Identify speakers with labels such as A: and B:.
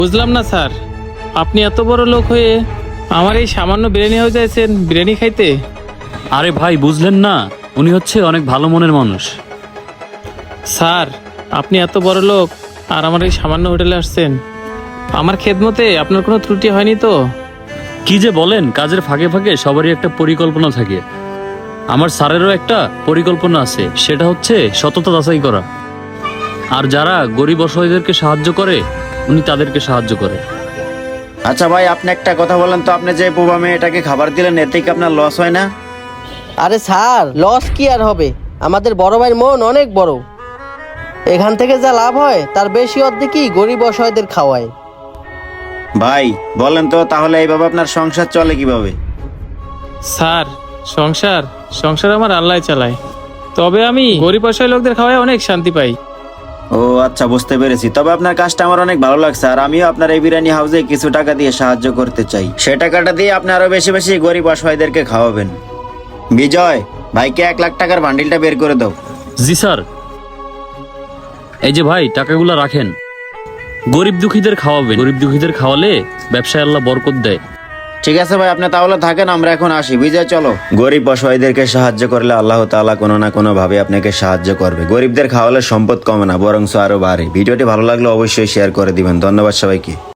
A: বুঝলাম না স্যার, আপনি এত বড় লোক হয়ে আমার এই সামান্য বিরিয়ানি হয়ে যাচ্ছেন বিরিয়ানি খাইতে।
B: আরে ভাই বুঝলেন না, উনি হচ্ছে অনেক ভালো মনের মানুষ।
A: স্যার, আপনি এত বড় লোক আর আমার এই সামান্য হোটেলে আসছেন, আমার খেদমতে আপনার কোনো ত্রুটি হয়নি তো?
B: কি যে বলেন, কাজের ফাঁকে ফাঁকে সবারই একটা পরিকল্পনা থাকে। আমার স্যারেরও একটা পরিকল্পনা আছে, সেটা হচ্ছে সততা যাচাই করা। আর যারা গরিব অসহায়দেরকে সাহায্য করে উনি তাদেরকে সাহায্য করে।
C: আচ্ছা ভাই, আপনি একটা কথা বলেন তো, আপনি যে বোবা মেয়েটাকে খাবার দিলেন এতে কি আপনার লস হয় না?
D: আরে স্যার, লস কি আর হবে, আমাদের বড় ভাইয়ের মন অনেক বড়। এখান থেকে যা লাভ হয় তার বেশি অর্ধেকই গরিব অসহায়দের খাওয়ায়।
C: ভাই বলেন তো, তাহলে এইভাবে আপনার সংসার চলে কিভাবে?
A: স্যার, সংসার সংসার আমার আল্লাহ চালায়, তবে আমি গরিব অসহায় লোকদের খাওয়ায় অনেক শান্তি পাই।
C: ও আচ্ছা, বুঝতে পেরেছি। তবে আপনার কাজটা আমার অনেক ভালো লাগছে, আর আমিও আপনার এই বিরিয়ানি হাউসে কিছু টাকা দিয়ে সাহায্য করতে চাই। সে টাকাটা দিয়ে আপনি আরো বেশি বেশি গরিব অসহায়দেরকে খাওয়াবেন। বিজয়, ভাইকে 1 লাখ টাকার বান্ডিলটা বের করে দাও।
B: জি স্যার। এই যে ভাই, টাকাগুলো রাখেন, গরিব দুঃখীদের খাওয়াবেন। গরিব দুঃখীদের খাওয়ালে ব্যবসায় আল্লাহ বরকত দেয়।
C: ঠিক আছে ভাই, আপনি তাহলে থাকেন, আমরা এখন আসি। বিজয় চলো। গরিব অসহায়দেরকে সাহায্য করলে আল্লাহ তাআলা কোনো না কোনো ভাবে আপনাকে সাহায্য করবে। গরিবদের খাওয়ালে সম্পদ কমে না, বরং আরো বাড়ে। ভিডিওটি ভালো লাগলে অবশ্যই শেয়ার করে দিবেন। ধন্যবাদ সবাইকে।